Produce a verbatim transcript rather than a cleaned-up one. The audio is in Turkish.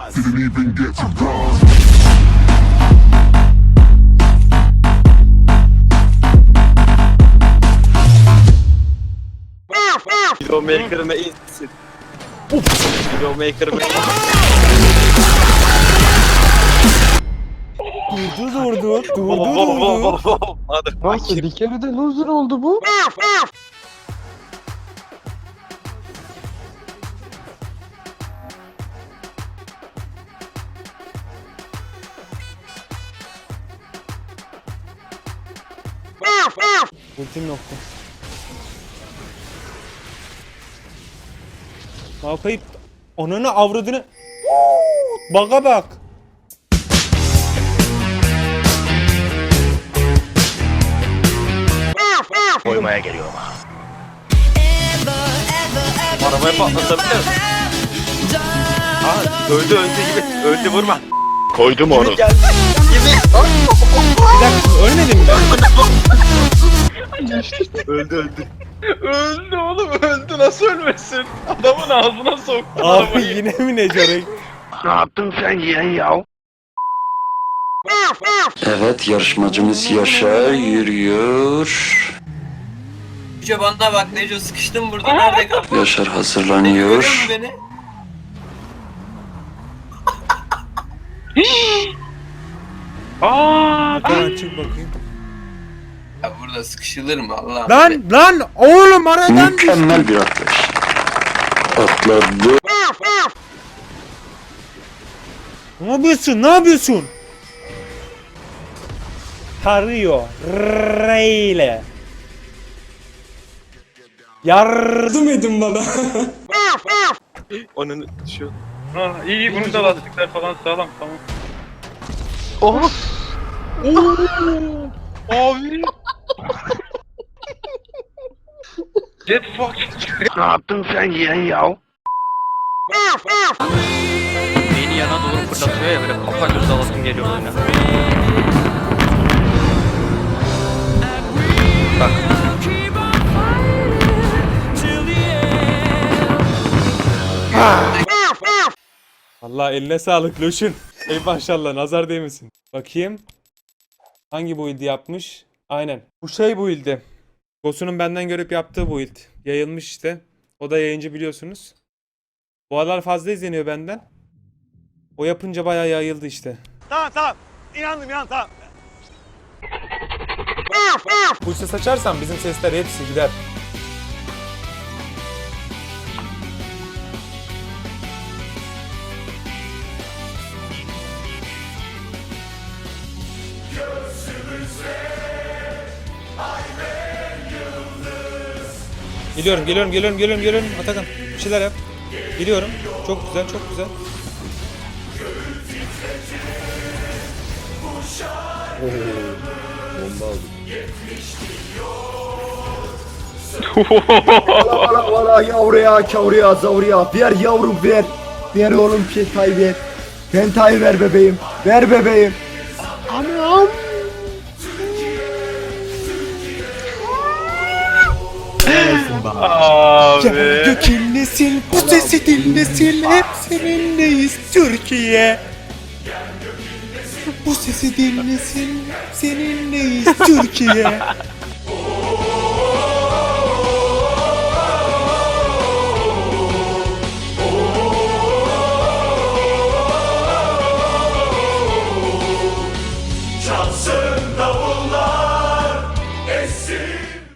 Didn't even get to bronze. Videomaker'ına insin. Videomaker'ına insin. Durdu durdu, durdu durdu. Hadi. Nasıl bir kere de loser oldu bu? Ultim nokta. Malkayıp ananı avradını. Baka bak. Koymaya geliyorum ha. Arabaya patlatabilir. Aa, öldü öldü gibi. Öldü vurma. Koydum onu. Gibi geldi. Gibi. Bir dakika ölmedin mi? Öldü öldü. Öldü oğlum, öldü, nasıl ölmesin? Adamın ağzına soktu Abi arabayı. yine mi ne Corek? Ne yaptın sen yeğen ya? Evet, yarışmacımız Yaşar yürüyor. Neco bana bak, Neco sıkıştım burada, nerede kaldın? Yaşar Görüyor hazırlanıyor. musun beni? Aaa! Tamam çık bakayım. Ya burada sıkışılır mı Allah'ım? Lan lan oğlum aradan düştü. Mükemmel bir atlayış. Atladı. Ne yapıyorsun? Ne yapıyorsun? Tarıyor. Reyle. Yardım edin bana. Onun şu. Ha, iyi iyi, bunun da lastikler falan sağlam, tamam. Oh. Abi! Get fucked! Ne yaptın sen yeğen ya? Beni yana doğru fırlatıyor ya, böyle kafa göz alasım geliyor oyuna. Bak. Vallahi eline sağlık Loşun. Ey maşallah nazar değmesin. Bakayım. Hangi build'i yapmış? Aynen. Bu şey build'i. Boss'unun benden görüp yaptığı build. Yayılmış işte. O da yayıncı biliyorsunuz. Bu aralar fazla izleniyor benden. O yapınca bayağı yayıldı işte. Tamam tamam. İnandım inan tamam. Bu ses açarsan bizim sesler hepsi gider. Geliyorum, geliyorum, geliyorum, geliyorum, geliyorum. Atakan, bir şeyler yap. Geliyorum. Çok güzel, çok güzel. Valla valla yavruya kavruya zavruya ver yavrum ver. Ver oğlum pentayı ver. Pentayı ver bebeğim. Ver bebeğim. Anam. Abi! Gök inlesin, bu sesi dinlesin, hep seninleyiz Türkiye. Bu sesi dinlesin, seninleyiz Türkiye.